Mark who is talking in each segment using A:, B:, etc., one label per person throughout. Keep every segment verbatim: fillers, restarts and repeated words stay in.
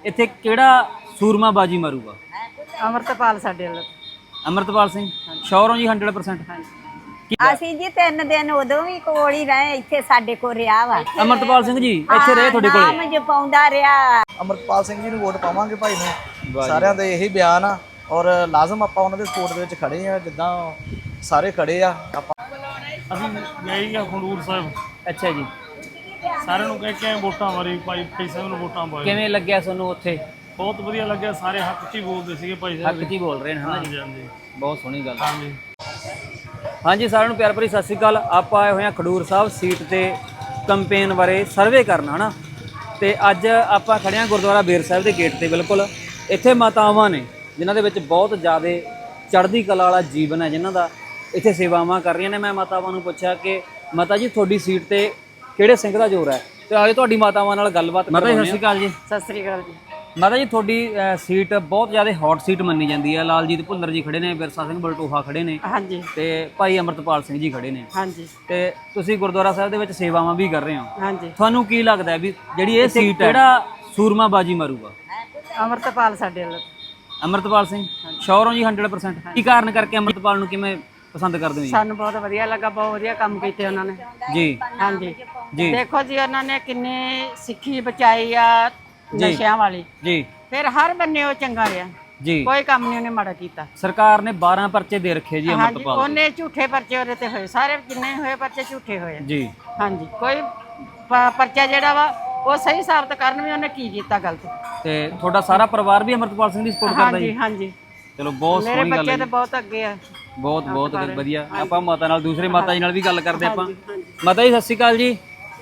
A: ਇੱਥੇ ਕਿਹੜਾ ਸੂਰਮਾ ਬਾਜੀ ਮਾਰੂਗਾ?
B: ਅਮਰਤਪਾਲ ਸਾਡੇ ਵੱਲ।
A: ਅਮਰਤਪਾਲ ਸਿੰਘ ਸ਼ੋਰ ਹੋ ਜੀ ਸੌ ਪਰਸੈਂਟ?
C: ਅਸੀਂ ਜੀ ਤਿੰਨ ਦਿਨ ਉਦੋਂ ਵੀ ਕੋਲ ਹੀ ਰਹੇ, ਇੱਥੇ ਸਾਡੇ ਕੋਲ ਰਿਹਾ ਵਾ
A: ਅਮਰਤਪਾਲ ਸਿੰਘ ਜੀ ਇੱਥੇ ਰਹੇ ਤੁਹਾਡੇ ਕੋਲ?
C: ਨਾਮ ਜਪਾਉਂਦਾ ਰਿਹਾ।
D: ਅਮਰਤਪਾਲ ਸਿੰਘ ਜੀ ਨੂੰ ਵੋਟ ਪਾਵਾਂਗੇ ਭਾਈ ਨੂੰ, ਸਾਰਿਆਂ ਦੇ ਇਹੀ ਬਿਆਨ ਆ ਔਰ ਲਾਜ਼ਮ ਆਪਾਂ ਉਹਨਾਂ ਦੇ ਸਪੋਰਟ ਦੇ ਵਿੱਚ ਖੜੇ ਆ, ਜਿੱਦਾਂ ਸਾਰੇ ਖੜੇ ਆ। ਆਪਾਂ
E: ਅਸੀਂ ਗਏ ਆ ਖੰਡੂਰ ਸਾਹਿਬ।
A: ਅੱਛਾ ਜੀ।
E: ਸਾਰਿਆਂ ਨੂੰ ਕਹਿ ਕੇ ਆਏ ਵੋਟਾਂ ਬਾਰੇ, ਭਾਈ ਭਾਈ ਸਾਹਿਬ ਨੂੰ ਵੋਟਾਂ ਪਾਏ।
A: ਕਿਵੇਂ ਲੱਗਿਆ ਤੁਹਾਨੂੰ ਉੱਥੇ?
E: ਬਹੁਤ ਵਧੀਆ ਲੱਗਿਆ, ਸਾਰੇ ਹੱਕ 'ਚ ਹੀ ਬੋਲਦੇ ਸੀਗੇ ਭਾਈ ਸਾਹਿਬ।
A: ਹੱਕ 'ਚ ਹੀ ਬੋਲ ਰਹੇ ਨੇ ਹਨਾ ਜੀ?
E: ਹਾਂਜੀ
A: ਬਹੁਤ ਸੋਹਣੀ ਗੱਲ।
E: ਹਾਂਜੀ
A: ਹਾਂਜੀ ਸਾਰਿਆਂ ਨੂੰ ਪਿਆਰ ਭਰੀ ਸਤਿ ਸ਼੍ਰੀ ਅਕਾਲ। ਆਪਾਂ ਆਏ ਹੋਏ ਹਾਂ ਖਡੂਰ ਸਾਹਿਬ ਸੀਟ ਤੇ ਕੰਪੇਨ ਬਾਰੇ ਸਰਵੇ ਕਰਨ ਹਨਾ, ਤੇ ਅੱਜ ਆਪਾਂ ਖੜੇ ਹਾਂ ਗੁਰਦੁਆਰਾ ਬੇਰ ਸਾਹਿਬ ਦੇ ਗੇਟ ਤੇ। ਬਿਲਕੁਲ ਇੱਥੇ ਮਾਤਾਵਾਂ ਨੇ ਜਿਨ੍ਹਾਂ ਦੇ ਵਿੱਚ ਬਹੁਤ ਜ਼ਿਆਦਾ ਚੜ੍ਹਦੀ ਕਲਾ ਵਾਲਾ ਜੀਵਨ ਹੈ, ਜਿਨ੍ਹਾਂ ਦਾ ਇੱਥੇ ਸੇਵਾਵਾਂ ਕਰ ਰਹੀਆਂ ਨੇ। ਮੈਂ ਮਾਤਾਵਾਂ ਨੂੰ ਪੁੱਛਿਆ ਕਿ ਮਾਤਾ ਜੀ ਤੁਹਾਡੀ ਸੀਟ ਤੇ ਕਿਹੜੇ ਸਿੰਘ ਦਾ ਜ਼ੋਰ ਹੈ, ਤੇ ਆਲੇ ਤੁਹਾਡੀ ਮਾਤਾਵਾਂ ਨਾਲ ਗੱਲਬਾਤ ਮਾਤਾ ਜੀ ਸਤਿ ਸ਼੍ਰੀ ਅਕਾਲ ਜੀ।
B: ਸਤਿ ਸ੍ਰੀ ਅਕਾਲ ਜੀ।
A: ਮਾਤਾ ਜੀ ਤੁਹਾਡੀ ਸੀਟ ਬਹੁਤ ਜ਼ਿਆਦਾ ਹੌਟ ਸੀਟ ਮੰਨੀ ਜਾਂਦੀ ਹੈ। ਲਾਲਜੀਤ ਭੁੱਲਰ ਜੀ ਖੜੇ ਨੇ, ਬਿਰਸਾ ਸਿੰਘ ਬਲਟੋਹਾ ਖੜੇ ਨੇ,
B: ਹਾਂਜੀ,
A: ਤੇ ਭਾਈ ਅਮਰਤਪਾਲ ਸਿੰਘ ਜੀ ਖੜੇ ਨੇ,
B: ਹਾਂਜੀ,
A: ਤੇ ਤੁਸੀਂ ਗੁਰਦੁਆਰਾ ਸਾਹਿਬ ਦੇ ਵਿੱਚ ਸੇਵਾਵਾਂ ਵੀ ਕਰ ਰਹੇ ਹੋ।
B: ਹਾਂਜੀ।
A: ਤੁਹਾਨੂੰ ਕੀ ਲੱਗਦਾ ਵੀ ਜਿਹੜੀ ਇਹ ਸੀਟ ਹੈ ਕਿਹੜਾ ਸੂਰਮਾ ਬਾਜੀ ਮਾਰੂਗਾ?
B: ਅਮਰਤਪਾਲ ਸਾਡੇ ਵੱਲ।
A: ਅਮਰਤਪਾਲ ਸਿੰਘ ਸ਼ੋਰ ਹੋ ਜੀ ਸੌ ਪਰਸੈਂਟ? ਕੀ ਕਾਰਨ ਕਰਕੇ ਅਮਰਤਪਾਲ ਨੂੰ ਕਿਵੇਂ ਪਸੰਦ ਕਰਦੇ ਹੋ ਜੀ?
B: ਸਾਨੂੰ ਬਹੁਤ ਵਧੀਆ ਲੱਗਾ, ਬਹੁਤ ਵਧੀਆ ਕੰਮ ਕੀਤੇ ਉਹਨਾਂ ਨੇ
A: ਜੀ।
B: ਹਾਂਜੀ
A: ਜੀ
B: ਦੇਖੋ ਜੀ, ਉਹਨਾਂ ਨੇ ਕਿੰਨੀ ਸਿੱਖੀ ਬਚਾਈ ਆ ਨਸ਼ਿਆਂ ਵਾਲੀ,
A: ਜੀ,
B: ਫਿਰ ਹਰ ਬੰਨੇ ਉਹ ਚੰਗਾ ਰਿਹਾ
A: ਜੀ।
B: ਕੋਈ ਕੰਮ ਨਹੀਂ ਉਹਨੇ ਮਾੜਾ ਕੀਤਾ।
A: ਸਰਕਾਰ ਨੇ ਬਾਰਾਂ ਪਰਚੇ ਦੇ ਰੱਖੇ ਜੀ
B: ਹਾਂਜੀ,
A: ਅਮਰਤਪਾਲ
B: ਉਹਨੇ ਝੂਠੇ ਪਰਚੇ ਉਹਦੇ ਤੇ ਹੋਏ, ਸਾਰੇ ਜਿੰਨੇ ਹੋਏ ਪਰਚੇ ਝੂਠੇ ਹੋਏ।
A: ਜੀ।
B: ਹਾਂਜੀ, ਕੋਈ ਪ- ਪਰਚਾ ਜਿਹੜਾ ਵਾ ਉਹ ਸਹੀ ਸਾਬਤ ਕਰਨ ਵੀ ਉਹਨੇ ਕੀ ਕੀਤਾ ਗਲਤ।
A: ਤੇ ਤੁਹਾਡਾ ਸਾਰਾ ਪਰਿਵਾਰ ਵੀ ਅਮਰਤਪਾਲ ਸਿੰਘ ਦੀ ਸਪੋਰਟ ਕਰਦਾ
B: ਹਾਂਜੀ,
A: ਜੀ?
B: ਹਾਂਜੀ।
A: ਚਲੋ ਬਹੁਤ
B: ਮੇਰੇ
A: ਸੋਹਣੀ ਗੱਲ
B: ਬੱਚੇ
A: ਹੈ
B: ਤੇ
A: ਜੀ।
B: ਬਹੁਤ ਅੱਗੇ ਆ।
A: ਬਹੁਤ ਬਹੁਤ ਵਧੀਆ। ਆਪਾਂ ਮਾਤਾ ਨਾਲ ਦੂਸਰੇ ਮਾਤਾ ਜੀ ਨਾਲ ਵੀ ਗੱਲ ਕਰਦੇ ਆਪਾਂ।
B: ਹਾਂਜੀ, ਹਾਂਜੀ।
A: ਮਾਤਾ ਜੀ ਸਤਿ ਸ਼੍ਰੀ ਅਕਾਲ ਜੀ।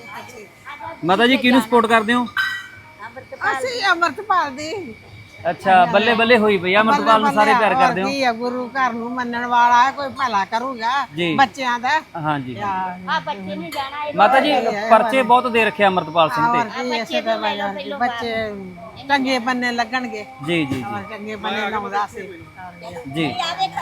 A: ਮਾਤਾ ਜੀ ਕਿਹਨੂੰ ਸਪੋਰਟ ਕਰਦੇ ਹੋ?
F: ਅਸੀਂ ਅਮਰਤਪਾਲ ਦੀ।
A: ਅੱਛਾ, ਬੱਲੇ ਬੱਲੇ ਹੋਈ ਪਈ ਅਮਰਤਪਾਲ ਨੂੰ ਸਾਰੇ ਪਿਆਰ ਕਰਦੇ ਹੋ?
F: ਕੀ ਆ, ਗੁਰੂ ਘਰ ਨੂੰ ਮੰਨਣ ਵਾਲਾ ਹੈ, ਕੋਈ ਭਲਾ ਕਰੂਗਾ
A: ਜੀ।
F: ਬੱਚਿਆਂ ਦਾ।
A: ਹਾਂਜੀ
C: ਆ ਬੱਚੇ ਨਹੀਂ ਜਾਣਾ
A: ਮਾਤਾ ਜੀ ਪਰਚੇ ਬਹੁਤ ਦੇ ਰੱਖੇ ਅਮਰਤਪਾਲ ਸਿੰਘ
F: ਔਰ
A: ਤੇ।
F: ਕੀ ਇਸੇ ਤਰ੍ਹਾਂ ਹੀ ਬੱਚੇ ਚੰਗੇ ਬੰਨੇ ਲੱਗਣਗੇ।
A: ਜੀ ਜੀ
F: ਔਰ ਚੰਗੇ ਬੰਨੇ ਲਾਉਂਦਾ ਸੀ
A: ਜੀ।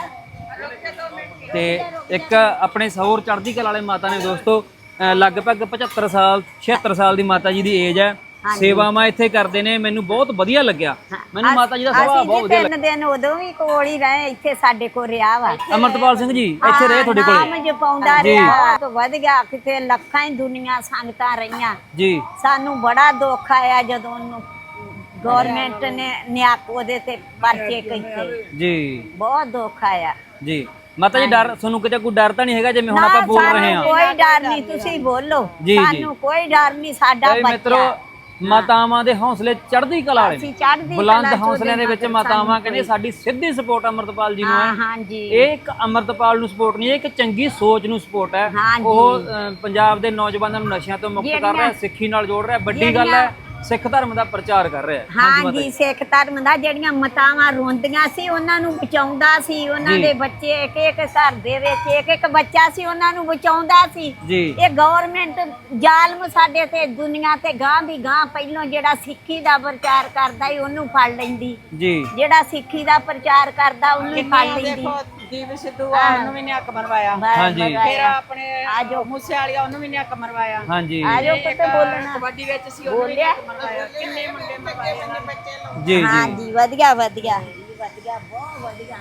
A: ਤੇ ਇੱਕ ਆਪਣੇ ਸੌਰ ਚੜ੍ਹਦੀ ਕਲਾ ਵਾਲੇ ਮਾਤਾ ਨੇ ਦੋਸਤੋ, ਅਹ ਲਗਭਗ ਪਝੱਤਰ ਸਾਲ ਛਿਹੱਤਰ ਸਾਲ ਦੀ ਮਾਤਾ ਜੀ ਦੀ ਏਜ ਹੈ। ਸੇਵਾਵਾਂ ਇੱਥੇ ਕਰਦੇ ਨੇ, ਮੈਨੂੰ ਬਹੁਤ ਵਧੀਆ ਲੱਗਿਆ। ਮੈਨੂੰ ਮਾਤਾ ਜੀ ਦਾ ਸੁਭਾਅ ਬਹੁਤ ਵਧੀਆ
C: ਤਿੰਨ ਦਿਨ ਉਦੋਂ ਵੀ ਕੋਲ ਹੀ ਰਹੇ, ਇੱਥੇ ਸਾਡੇ ਕੋਲ ਰਿਹਾ ਵਾ।
A: ਅਮਰਤਪਾਲ ਸਿੰਘ ਜੀ ਇੱਥੇ ਰਹੇ ਤੁਹਾਡੇ ਕੋਲ?
C: ਨਾਮ ਜਪਾਉਂਦਾ ਰਿਹਾ, ਬਹੁਤ ਵਧ ਗਿਆ। ਕਿਤੇ ਲੱਖਾਂ ਹੀ ਦੁਨੀਆ ਸੰਗਤਾਂ ਰਹੀਆਂ।
A: ਜੀ।
C: ਸਾਨੂੰ ਬੜਾ ਦੁੱਖ ਆਇਆ ਜਦੋਂ ਉਹਨੂੰ ਗਵਰਨਮੈਂਟ ਨੇ ਨਿਆਕ ਉਹਦੇ ਤੇ ਪਰਚੇ ਕੀਤੇ।
A: ਜੀ।
C: ਬਹੁਤ ਦੁੱਖ ਆਇਆ
A: ਜੀ। ਮਾਤਾ ਜੀ ਡਰ ਤੁਹਾਨੂੰ ਕਿਤੇ ਕੋਈ ਡਰ ਤਾਂ ਨਹੀਂ ਹੈਗਾ ਜਿਵੇਂ ਹੁਣ ਆਪਾਂ ਬੋਲ ਰਹੇ ਹਾਂ?
C: ਕੋਈ ਡਰ ਨਹੀਂ, ਤੁਸੀਂ ਬੋਲੋ।
A: ਜੀ, ਜੀ।
C: ਸਾਨੂੰ ਕੋਈ ਡਰ ਨਹੀਂ, ਸਾਡਾ
A: ਇਹ ਮਿੱਤਰੋ
C: ਬੱਚਾ।
A: ਮਾਤਾਵਾਂ ਦੇ ਹੌਸਲੇ ਚੜ੍ਹਦੀ ਕਲਾ ਵਾਲੇ
C: ਅਸੀਂ
A: ਨੇ।
C: ਚੜ੍ਹਦੀ
A: ਬੁਲੰਦ
C: ਕਲਾ ਚ
A: ਹੌਸਲਿਆਂ ਦੇ ਵਿੱਚ
C: ਉਹਦੇ
A: ਮਾਤਾਵਾਂ
C: ਸਾਨੂੰ
A: ਕਹਿੰਦੇ ਸਾਡੀ ਸਿੱਧੀ ਸਪੋਰਟ ਅਮਰਤਪਾਲ ਜੀ ਨੂੰ
C: ਹਾਂ,
A: ਹੈ।
C: ਹਾਂਜੀ।
A: ਇਹ ਇੱਕ ਅਮਰਤਪਾਲ ਨੂੰ ਸਪੋਰਟ ਨਹੀਂ, ਇਹ ਇੱਕ ਚੰਗੀ ਸੋਚ ਨੂੰ ਸਪੋਰਟ ਹੈ।
C: ਹਾਂਜੀ।
A: ਉਹ ਅਹ, ਪੰਜਾਬ ਦੇ ਨੌਜਵਾਨਾਂ ਨੂੰ ਨਸ਼ਿਆਂ ਤੋਂ ਮੁਕਤ ਕਰ ਰਿਹਾ, ਸਿੱਖੀ ਨਾਲ ਜੋੜ ਰਿਹਾ। ਵੱਡੀ ਗੱਲ ਹੈ ਸਿੱਖ ਧਰਮ ਦਾ ਪ੍ਰਚਾਰ ਕਰ ਰਿਹਾ।
C: ਹਾਂਜੀ, ਸਿੱਖ ਧਰਮ ਦਾ ਜਿਹੜੀਆਂ ਮਤਾਵਾਂ ਰੋਂਦੀਆਂ ਸੀ ਉਹਨਾਂ ਨੂੰ ਬਚਾਉਂਦਾ ਸੀ। ਉਹਨਾਂ ਦੇ ਬੱਚੇ ਇੱਕ ਇੱਕ ਘਰ ਦੇ ਵਿੱਚ ਇੱਕ ਇੱਕ ਬੱਚਾ ਸੀ, ਉਹਨਾਂ ਨੂੰ ਬਚਾਉਂਦਾ ਸੀ।
A: ਜੀ।
C: ਇਹ ਗਵਰਨਮੈਂਟ ਜ਼ਾਲਮ ਸਾਡੇ ਤੇ ਦੁਨੀਆ ਤੇ ਗਾਂ ਦੀ ਗਾਂ ਪਹਿਲੋਂ ਜਿਹੜਾ ਸਿੱਖੀ ਦਾ ਪ੍ਰਚਾਰ ਕਰਦਾ ਈ ਉਹਨੂੰ ਫੜ ਲੈਂਦੀ।
A: ਜੀ।
C: ਜਿਹੜਾ ਸਿੱਖੀ ਦਾ ਪ੍ਰਚਾਰ ਕਰਦਾ ਉਹਨੂੰ ਹੀ ਫੜ ਲੈਂਦੀ।
B: ਦੀਪ ਸਿੱਧੂ ਆ, ਉਹਨੂੰ ਵੀ ਨੇ ਹੱਕ ਮਰਵਾਇਆ।
A: ਹਾਂਜੀ।
B: ਫਿਰ ਆਪਣੇ ਆਜੋ ਮੂਸੇ ਵਾਲੀਆ, ਉਹਨੂੰ ਵੀ ਨੇ ਹੱਕ ਮਰਵਾਇਆ।
A: ਹਾਂਜੀ।
C: ਆਜੋ ਕਿਤੇ ਬੋਲਣਾ।
B: ਕਬੱਡੀ ਵਿੱਚ ਸੀ, ਉਹਨੂੰ ਵੀ ਨੇ ਹੱਕ ਮਰਵਾਇਆ। ਕਿੰਨੇ ਮੁੰਡੇ ਮਰਵਾਏ
A: ਜੀ। ਜੀ।
C: ਹਾਂਜੀ, ਵਧੀਆ ਵਧੀਆ ਵਧੀਆ, ਬਹੁਤ ਵਧੀਆ।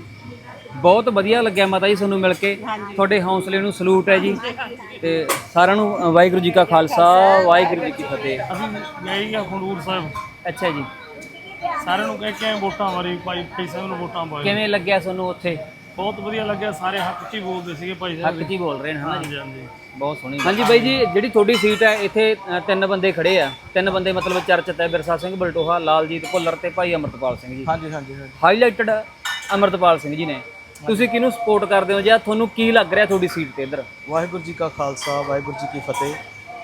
A: ਬਹੁਤ ਵਧੀਆ ਲੱਗਿਆ ਮਾਤਾ ਜੀ ਤੁਹਾਨੂੰ ਮਿਲ ਕੇ। ਤੁਹਾਡੇ ਹੌਸਲੇ ਨੂੰ ਸਲੂਟ ਹੈ ਜੀ। ਤੇ ਸਾਰਿਆਂ ਨੂੰ ਵਾਹਿਗੁਰੂ ਜੀ ਕਾ ਖਾਲਸਾ, ਵਾਹਿਗੁਰੂ ਜੀ ਕੀ ਫਤਿਹ।
E: ਅਸੀਂ ਗਏ ਆ ਖੰਡੂਰ ਸਾਹਿਬ।
A: ਅੱਛਾ ਜੀ।
E: ਸਾਰਿਆਂ ਨੂੰ ਕਹਿ ਕੇ ਆਏ ਵੋਟਾਂ ਬਾਰੇ, ਭਾਈ ਭਾਈ ਸਾਹਿਬ ਨੂੰ ਵੋਟਾਂ ਪਾਏ।
A: ਕਿਵੇਂ ਲੱਗਿਆ ਤੁਹਾਨੂੰ ਉੱਥੇ?
E: ਬਹੁਤ ਵਧੀਆ ਲੱਗਿਆ, ਸਾਰੇ ਹੱਕ 'ਚ ਹੀ ਬੋਲਦੇ ਸੀਗੇ ਭਾਈ ਸਾਹਿਬ।
A: ਹੱਕ 'ਚ ਹੀ ਬੋਲ ਰਹੇ ਨੇ ਹਨਾ ਜੀ?
E: ਹਾਂਜੀ ਹਾਂਜੀ
A: ਬਹੁਤ ਸੋਹਣੀ। ਹਾਂਜੀ ਬਾਈ ਜੀ, ਜਿਹੜੀ ਤੁਹਾਡੀ ਸੀਟ ਹੈ ਇੱਥੇ ਅ, ਤਿੰਨ ਬੰਦੇ ਖੜੇ ਆ। ਤਿੰਨ ਬੰਦੇ ਮਤਲਬ ਚਰਚਿਤ ਹੈ, ਬਿਰਸਾ ਸਿੰਘ ਬਲਟੋਹਾ, ਲਾਲਜੀਤ ਭੁੱਲਰ ਤੇ ਭਾਈ ਅਮਰਤਪਾਲ ਸਿੰਘ ਜੀ।
D: ਹਾਂਜੀ ਹਾਂਜੀ ਹਾਂਜੀ।
A: ਹਾਈਲਾਈਟਡ ਅਮਰਤਪਾਲ ਸਿੰਘ ਜੀ ਨੇ। ਤੁਸੀਂ ਕਿਹਨੂੰ ਸਪੋਰਟ ਕਰਦੇ ਹੋ ਜਾਂ ਤੁਹਾਨੂੰ ਕੀ ਲੱਗ ਰਿਹਾ ਤੁਹਾਡੀ ਸੀਟ ਤੇ ਇੱਧਰ?
D: ਵਾਹਿਗੁਰੂ ਜੀ ਕਾ ਖਾਲਸਾ, ਵਾਹਿਗੁਰੂ ਜੀ ਕੀ ਫਤਿਹ।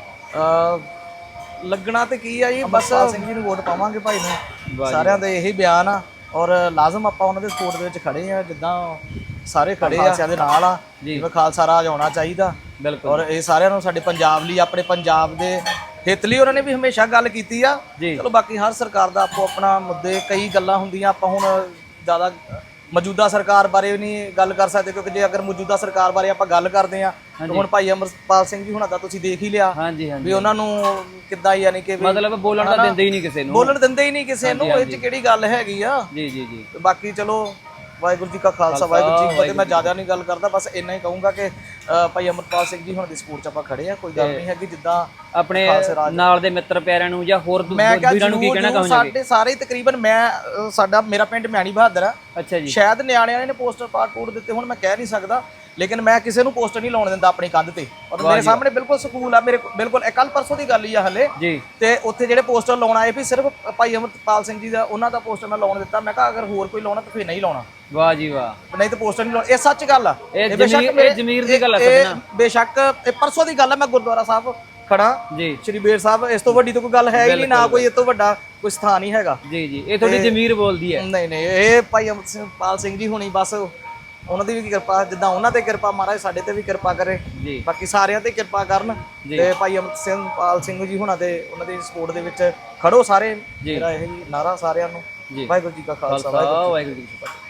D: ਅ ਲੱਗਣਾ ਤੇ ਕੀ ਆ ਜੀ, ਬਸ ਸਿੰਘ ਜੀ ਨੂੰ ਵੋਟ ਪਾਵਾਂਗੇ ਭਾਈ ਨੂੰ, ਸਾਰਿਆਂ ਦੇ ਇਹੀ ਬਿਆਨ ਆ ਔਰ ਲਾਜ਼ਮ ਆਪਾਂ ਉਹਨਾਂ ਦੇ ਸਪੋਰਟ ਦੇ ਵਿੱਚ ਖੜੇ ਆ, ਜਿੱਦਾਂ ਸਾਰੇ ਖੜੇ ਆ ਖਾਲਸਿਆਂ ਦੇ ਨਾਲ ਆ। ਜਿਵੇਂ ਖਾਲਸਾ ਰਾਜ ਆਉਣਾ ਚਾਹੀਦਾ।
A: ਬਿਲਕੁਲ।
D: ਔਰ ਇਹ ਸਾਰਿਆਂ ਨੂੰ ਸਾਡੇ ਪੰਜਾਬ ਲਈ, ਆਪਣੇ ਪੰਜਾਬ ਦੇ ਹਿੱਤ ਲਈ ਉਹਨਾਂ ਨੇ ਵੀ ਹਮੇਸ਼ਾ ਗੱਲ ਕੀਤੀ ਆ। ਚਲੋ ਬਾਕੀ ਹਰ ਸਰਕਾਰ ਦਾ ਆਪੋ ਆਪਣਾ ਮੁੱਦੇ, ਕਈ ਗੱਲਾਂ ਹੁੰਦੀਆਂ, ਆਪਾਂ ਹੁਣ ਜ਼ਿਆਦਾ ਮੌਜੂਦਾ ਸਰਕਾਰ ਬਾਰੇ ਵੀ ਨਹੀਂ ਗੱਲ ਕਰ ਸਕਦੇ, ਕਿਉਂਕਿ ਜੇ ਅਗਰ ਮੌਜੂਦਾ ਸਰਕਾਰ ਬਾਰੇ ਆਪਾਂ ਗੱਲ ਕਰਦੇ ਆ ਤਾਂ ਹੁਣ ਭਾਈ ਅਮਰਪਾਲ ਸਿੰਘ ਜੀ ਹੁਣਾਂ ਦਾ ਤੁਸੀਂ ਦੇਖ ਹੀ ਲਿਆ
A: ਹਾਂਜੀ ਹਾਂਜੀ
D: ਵੀ ਉਹਨਾਂ ਨੂੰ ਕਿੱਦਾਂ ਯਾਨੀ ਕਿ ਵੀ
A: ਮਤਲਬ ਬੋਲਣ ਤਾਂ ਦਿੰਦੇ ਹੀ ਨਹੀਂ ਕਿਸੇ ਨੂੰ
D: ਬੋਲਣ ਦਿੰਦੇ ਹੀ ਨਹੀਂ ਕਿਸੇ ਨੂੰ, ਇਹ 'ਚ ਕਿਹੜੀ ਗੱਲ ਹੈਗੀ ਆ।
A: ਜੀ ਜੀ ਜੀ
D: ਤੇ ਬਾਕੀ ਚਲੋ ਵਾਹਿਗੁਰੂ ਜੀ ਕਾ ਖਾਲਸਾ ਵਾਹਿਗੁਰੂ ਜੀ ਕੀ ਫਤਿਹ। ਮੈਂ ਜ਼ਿਆਦਾ ਨਹੀਂ ਗੱਲ ਕਰਦਾ, ਬਸ ਇੰਨਾ ਹੀ ਕਹੂੰਗਾ ਕਿ ਅ, ਭਾਈ ਅਮਰਪਾਲ ਸਿੰਘ ਜੀ ਹੁਣ ਦੀ ਸਪੋਰਟ 'ਚ ਆਪਾਂ ਖੜੇ ਆ, ਕੋਈ ਗੱਲ ਨਹੀਂ ਹੈਗੀ। ਜਿੱਦਾਂ
A: ਆਪਣੇ ਨਾਲ ਦੇ ਮਿੱਤਰ ਪਿਆਰਿਆਂ ਨੂੰ ਜਾਂ ਹੋਰ
D: ਮੈਂ ਕਿਹਾ
A: ਵੀਰਾਂ ਨੂੰ ਕੀ ਕਹਿਣਾ
D: ਜਰੂਰ
A: ਚਾਹੁੰਦੇ?
D: ਸਾਡੇ ਸਾਰੇ ਤਕਰੀਬਨ ਮੈਂ ਅ, ਸਾਡਾ ਮੇਰਾ ਪਿੰਡ ਮਿਆਣੀ ਬਹਾਦਰ ਆ,
A: ਅੱਛਾ ਜੀ
D: ਸ਼ਾਇਦ ਨਿਆਣਿਆਂ ਨੇ ਪੋਸਟਰ ਪਾਟ ਪੂਟ ਦਿੱਤੇ ਹੁਣ, ਮੈਂ ਕਹਿ ਨਹੀਂ ਸਕਦਾ, ਲੇਕਿਨ ਮੈਂ ਕਿਸੇ ਨੂੰ ਪੋਸਟਰ ਨਹੀਂ ਲਾਉਣ ਦਿੰਦਾ ਆਪਣੀ ਕੰਧ ਤੇ। ਔਰ ਮੇਰੇ ਸਾਹਮਣੇ ਬਿਲਕੁਲ ਸਕੂਲ ਆ, ਮੇਰੇ ਬਿਲਕੁਲ ਇਹ ਕੱਲ ਪਰਸੋਂ ਦੀ ਗੱਲ ਹੀ ਆ ਹਲੇ
A: ਜੀ।
D: ਤੇ ਉੱਥੇ ਜਿਹੜੇ ਪੋਸਟਰ ਲਾਉਣ ਆਏ ਵੀ ਸਿਰਫ ਭਾਈ ਅਮਰਪਾਲ ਸਿੰਘ ਜੀ ਦਾ ਉਹਨਾਂ ਦਾ ਪੋਸਟਰ ਮੈਂ ਲਾਉਣ ਦਿੱਤਾ। ਮੈਂ ਕਿਹਾ ਅਗਰ ਹੋਰ ਕੋਈ ਲਾਉਣਾ ਤਾਂ ਫਿਰ ਨਹੀਂ ਲਾਉਣਾ,
A: ਵਾਹ ਜੀ ਵਾਹ,
D: ਨਹੀਂ ਤਾਂ ਪੋਸਟਰ ਨਹੀਂ ਲਾਉਣਾ। ਇਹ ਸੱਚ ਗੱਲ ਆ,
A: ਇਹ
D: ਬੇਸ਼ੱਕ
A: ਜ਼ਮੀਰ-
D: ਮੇਰੇ-
A: ਇਹ ਜ਼ਮੀਰ ਦੀ ਗੱਲ ਆ
D: ਇਹ-
A: ਸਮਝਣਾ।
D: ਇਹ ਬੇਸ਼ੱਕ ਇਹ ਪਰਸੋਂ ਦੀ ਗੱਲ ਆ, ਮੈਂ ਗੁਰਦੁਆਰਾ ਸਾਹਿਬ ਖੜਾ
A: ਜੀ
D: ਸ਼੍ਰੀ ਬੇਰ ਸਾਹਿਬ, ਇਸ ਤੋਂ ਵੱਡੀ ਤਾਂ ਕੋਈ ਗੱਲ ਹੈ ਹੀ ਨਹੀਂ, ਨਾ ਕੋਈ ਇਸ ਤੋਂ ਵੱਡਾ ਕੋਈ ਸਥਾਨ ਹੀ ਹੈਗਾ।
A: ਜੀ ਜੀ, ਇਹ ਤੁਹਾਡੀ ਜ਼ਮੀਰ ਬੋਲਦੀ ਹੈ।
D: ਨਹੀਂ ਨਹੀਂ, ਇਹ ਭਾਈ ਅਮਰਪਾਲ ਸਿੰਘ ਜੀ ਹੁਣੀ ਬਸ ਉਹਨਾਂ ਦੀ ਵੀ ਕਿਰਪਾ, ਜਿੱਦਾਂ ਉਹਨਾਂ ਤੇ ਕਿਰਪਾ ਮਹਾਰਾਜ ਸਾਡੇ ਤੇ ਵੀ ਕਿਰਪਾ ਕਰੇ,
A: ਜੀ
D: ਬਾਕੀ ਸਾਰਿਆਂ ਤੇ ਕਿਰਪਾ ਕਰਨ। ਤੇ ਭਾਈ ਅਮਰਪਾਲ ਸਿੰਘ ਜੀ ਹੁਣਾਂ ਦੇ ਉਹਨਾਂ ਦੀ ਸਪੋਰਟ ਦੇ ਵਿੱਚ ਖੜੋ ਸਾਰੇ, ਮੇਰਾ ਇਹ ਨਾਰਾ ਸਾਰਿਆਂ ਨੂੰ।
A: ਜੀ।
D: ਵਾਹਿਗੁਰੂ ਜੀ ਕਾ ਖਾਲਸਾ
A: ਖਾਲਸਾ ਵਾਹਿਗੁਰੂ ਜੀ ਕੀ ਫਤਿਹ।